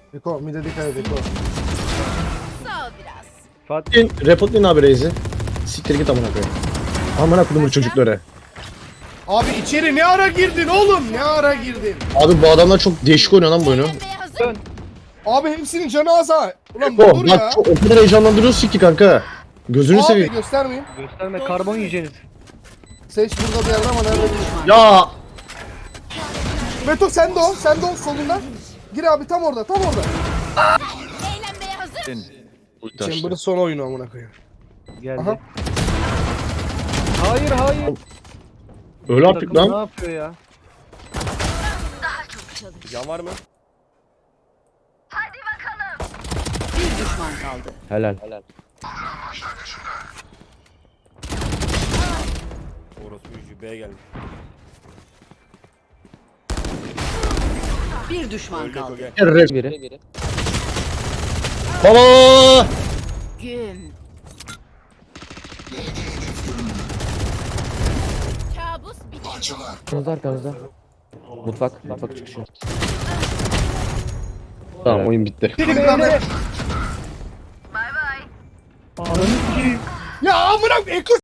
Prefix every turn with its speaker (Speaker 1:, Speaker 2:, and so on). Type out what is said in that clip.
Speaker 1: Eko mide dikkat et Eko.
Speaker 2: Sağ ol biraz.
Speaker 3: Fatih reportlayın abi Reis'i. Siktir git amına koyayım. Amına kodumun çocukları.
Speaker 1: Abi içeri ne ara girdin oğlum? Ne ara girdin?
Speaker 3: Abi bu adamlar çok değişik oynuyor lan bu oyunu.
Speaker 2: Eğlenmeye hazır.
Speaker 1: Abi hepsinin canı az ha. Ulan
Speaker 3: Oh
Speaker 1: dur ya.
Speaker 3: bak çok, o kadar heyecanlandırıyorsun ki kanka. Gözünü
Speaker 1: Abi
Speaker 3: seveyim.
Speaker 1: göstermeyin.
Speaker 4: Gösterme karbon yiyeceğiniz.
Speaker 1: Seç burada bir yerde ama nerede bilmiyorum.
Speaker 3: Ya
Speaker 1: Beto sen de o. Sen de o solunda. Gir abi tam orada tam orada.
Speaker 2: Eğlenmeye hazır.
Speaker 1: Chamber'ın son oyunu amına koyayım.
Speaker 4: Geldi.
Speaker 1: Aha.
Speaker 4: Hayır hayır.
Speaker 3: öyle artık
Speaker 4: Takım ne
Speaker 3: lan.
Speaker 4: yapıyor ya?
Speaker 5: Can var mı?
Speaker 2: Bir düşman kaldı.
Speaker 3: Helal.
Speaker 5: Orası büyücü B'ye geldi.
Speaker 2: Bir düşman
Speaker 5: Öldü Eko
Speaker 2: kaldı.
Speaker 5: gel.
Speaker 3: Rep biri. Baba!
Speaker 2: Gün. Kabus bitti.
Speaker 6: Arkamızda arkamızda. Mutfak çıkışı.
Speaker 3: Tamam oyun bitti.
Speaker 1: Ya amına Eko